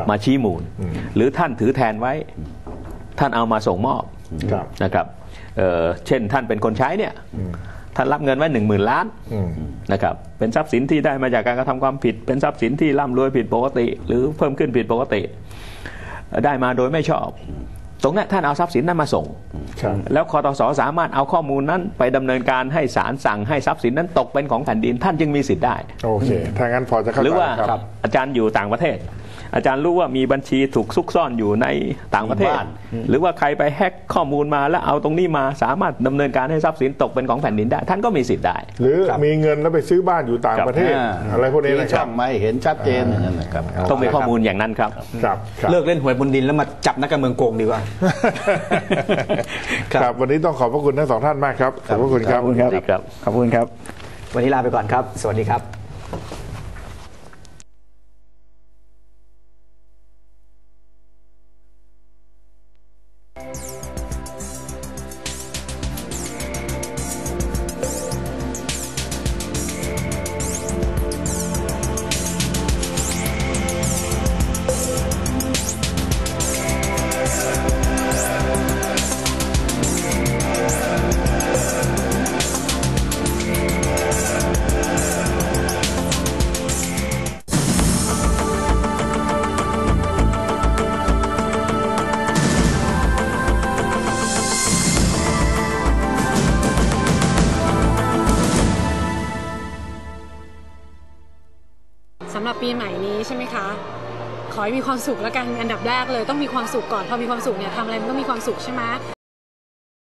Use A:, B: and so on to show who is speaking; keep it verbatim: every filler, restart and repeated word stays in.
A: มาชี้มูลหรือท่านถือแทนไว้ท่านเอามาส่งมอบนะครับเเช่นท่านเป็นคนใช้เนี่ยท่านรับเงินไว้หนึ่งหมื่นล้านนะครับเป็นทรัพย์สินที่ได้มาจากการกระทำความผิดเป็นทรัพย์สินที่ร่ำรวยผิดปกติหรือเพิ่มขึ้นผิดปกติได้มาโดยไม่ชอบตรงนั้นท่านเอาทรัพย์สินนั้นมาส่งแล้วคตส.สามารถเอาข้อมูลนั้นไปดำเนินการให้ศาลสั่งให้ทรัพย์สินนั้นตกเป็นของแผ่นดินท่านจึงมีสิทธิ์ได้
B: โอเคถ้างั้นพอจะเข้าใจหรือว่า
A: อาจารย์อยู่ต่างประเทศอาจารย์รู้ว่ามีบัญชีถูกซุกซ่อนอยู่ในต่างประเทศหรือว่าใครไปแฮกข้อมูลมาแล้วเอาตรงนี้มาสามารถดำเนินการให้ทรัพย์สินตกเป็นของแผ่นดินได้ท่านก็มีสิทธิ์ได้
B: หรือมีเงินแล้วไปซื้อบ้านอยู่ต่างประเทศอะไรพวกนี้นะครับ
C: ไม่เห็นชัดเจนนะครับ
A: ต้องมีข้อมูลอย่างนั้นครับ
D: เลิกเล่นหวยบนดินแล้วมาจับนักการเมืองโกงดีกว่า
B: ครับวันนี้ต้องขอบพระคุณทั้งสองท่านมากครับขอบพระคุณครับ
D: ขอบคุณครับขอบคุณครับวันนี้ลาไปก่อนครับสวัสดีครับ
E: สำหรับปีใหม่นี้ใช่ไหมคะขอให้มีความสุขแล้วกันอันดับแรกเลยต้องมีความสุขก่อนพอมีความสุขเนี่ยทำอะไรมันก็มีความสุขใช่ไหม